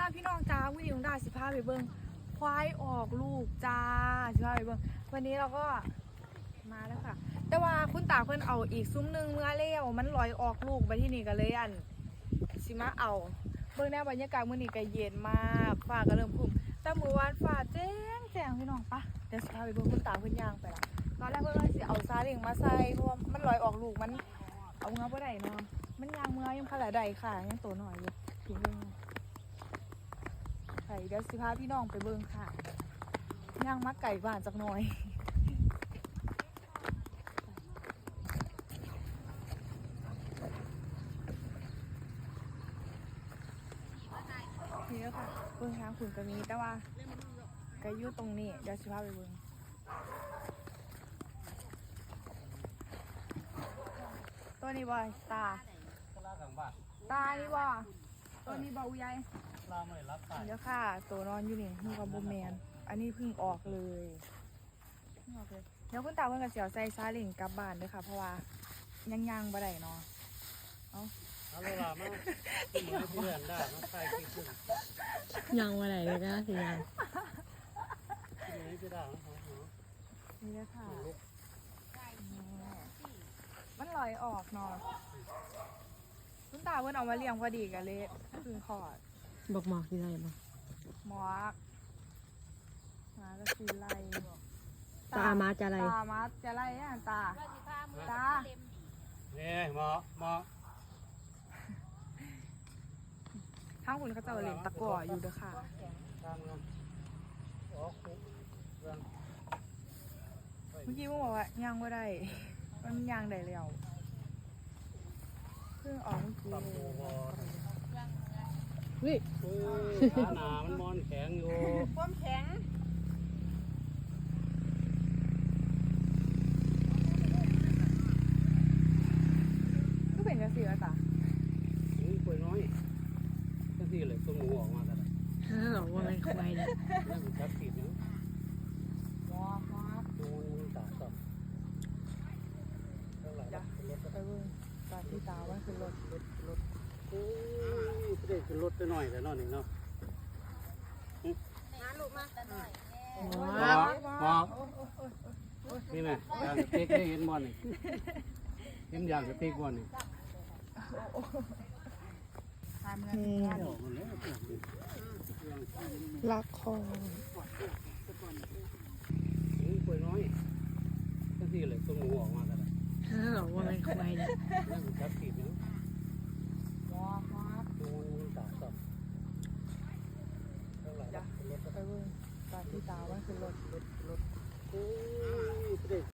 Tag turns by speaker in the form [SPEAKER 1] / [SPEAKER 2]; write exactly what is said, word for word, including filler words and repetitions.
[SPEAKER 1] พี่น้องจ้าวันนี้น้องดาสิพาไปเบิ้งควายออกลูกจ้าสิพาไปเบิ้งวันนี้เราก็มาแล้วค่ะแต่ว่าคุณตาเพิ่นเอาอีกซุ้มหนึ่งเมื่อเลี้ยวมันลอยออกลูกไปที่นี่กันเลยอันสิมาเอาเบิ้งแนวบรรยากาศมื้อนี้ก็เย็นมากฟ้าก็เริ่มครึ้มแต่เมื่อวานฟ้าแจ้งแจ้งพี่น้องปะเดี๋ยวสิพาไปเบิ้งคุณตาเพิ่นย่างไปละตอนแรกเพิ่นว่าสิเอาซาเล้งมาใส่เพราะว่ามันลอยออกลูกมันเอาเงาบ่ได้เนาะมันย่างเมื่อยังขนาดใดค่ะยังโตหน่อยอยู่ถึงเบิ่งไข่เดี๋ยวสิพาพี่น้องไปเบิ่งค่ะย่างมักไก่บ้านจักหน่อยนี่แล้วค่ะเบิ่งทางขุนก็มีแต่ว่าไก่อยู่ตรงนี้เดี๋ยวสิพาไปเบิ่งตัวนี้บ่ตาตานี่บ่ตัวนี้บ่อุ้ยายเดี๋ยวค่ะตัวนอนอยู่นี่นี่กับบูแมนอันนี้เพิ่งออกเลยออกเลยเดี๋ยวคุณตาเพิ่งกับเสียวใส่ซาเล้งกลับบ้านด้วยค่ะเพราะว่ายังยังบ่ได้เนาะเอา
[SPEAKER 2] เอาเลยล่ะมาที่มือเพื่อนได้มาใส่ขี้ขึ้น
[SPEAKER 3] ยังวันไหนเลยนะสิยัง
[SPEAKER 2] ที่มือที่ได้นะ
[SPEAKER 1] นี่เลยค่ะมันลอยออกเนาะคุณตาเพิ่นเอามาเลี้ยงพอดีกันเลยคือขอด
[SPEAKER 3] บอกหมอกที่ไรบ้าง
[SPEAKER 1] หมอกมาก็คือไล่
[SPEAKER 3] ตามาจะอะไร
[SPEAKER 1] ตามาจะไล่อ่ะตาตา
[SPEAKER 2] เนี่ยหมอหมอ
[SPEAKER 1] ทั้งคุณเขาจะเล่นตะกั่วอยู่เด้อค่ะเมื่อกี้ว่าบอกว่าย่างว่าได้มันย่างได้แล้วเพิ่งออกเมื่อกี้
[SPEAKER 3] นี่
[SPEAKER 2] ขาหนามันมอนแข็งอยู่
[SPEAKER 1] ความแข็งก็เป็นกระสีแล้วตา
[SPEAKER 2] นี่ป่วยน้อยกระสีเลยตัวหมูออกมากันเลย
[SPEAKER 3] ฮ่าว่าไงควายเนี่ย
[SPEAKER 2] แล้วมันจับติดเนี่ย
[SPEAKER 1] ว้าวว้าว
[SPEAKER 2] ดูมันตาต่อเท่าไหร่ละรถ
[SPEAKER 1] ไปเบิ่งตาที่ตาว่าคือรถ
[SPEAKER 2] รถรถโอ้ยเด็กขึ้นรถไปหน่อยแต่นอนหนึ่งเนาะ
[SPEAKER 1] น้าลูกมาแต่หน่อย
[SPEAKER 2] ว้าวว้าวนี่ไงยางสติ๊กได้เห็นบอลนี่เห็นยางสติ๊กบอลนี่
[SPEAKER 3] ลักคอ
[SPEAKER 2] นี่ป่วยน้อยก็ที่เลยตัวหมูออกมากันเลย
[SPEAKER 3] ฮ่าว่าไงควายเนี่ย
[SPEAKER 2] แล้วมันจับติดเนี่ย
[SPEAKER 1] ว้าวว้าว
[SPEAKER 2] ดูมันตาต่อเท่าไหร่ละรถ
[SPEAKER 1] ไปเบิ่งตาที่ตาว่าคือรถ
[SPEAKER 2] รถร